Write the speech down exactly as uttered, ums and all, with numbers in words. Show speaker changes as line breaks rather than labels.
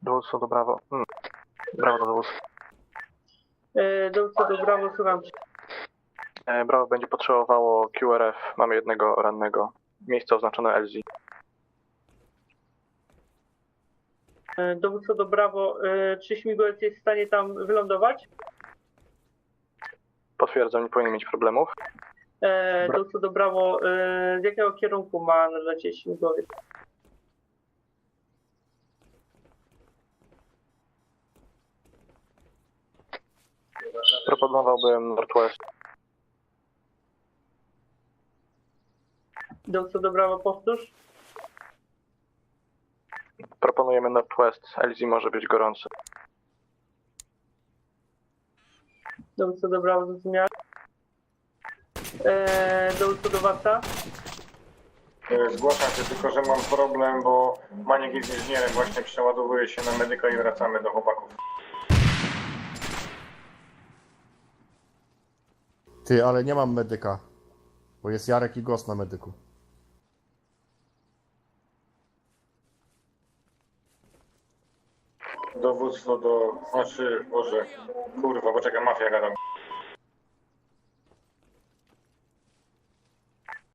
Dowództwo do Brawo. Hmm. Brawo do dowództwa.
E, Dowódco do Brawo, słucham cię.
E, Brawo będzie potrzebowało Q R F. Mamy jednego rannego. Miejsce oznaczone L Z.
E, Dowódco do Brawo, e, czy śmigłowiec jest w stanie tam wylądować?
Potwierdzam, nie powinien mieć problemów.
E,
Bra-
Dowódco do Brawo, e, z jakiego kierunku ma lecieć śmigłowiec?
Proponowałbym Northwest.
Dowódco do Brawo, powtórz.
Proponujemy Northwest. L Z może być gorący.
Dowódco do Brawo, zrozumiałem. E, Dowódco do Warta.
E, Zgłaszam się, tylko że mam problem, bo Maniek jest inżynierem, właśnie przeładowuje się na medyka i wracamy do chłopaków.
Ty, ale nie mam medyka. Bo jest Jarek i Gos na medyku.
Dowództwo do... Znaczy, Boże, kurwa, poczekaj, mafia gadam.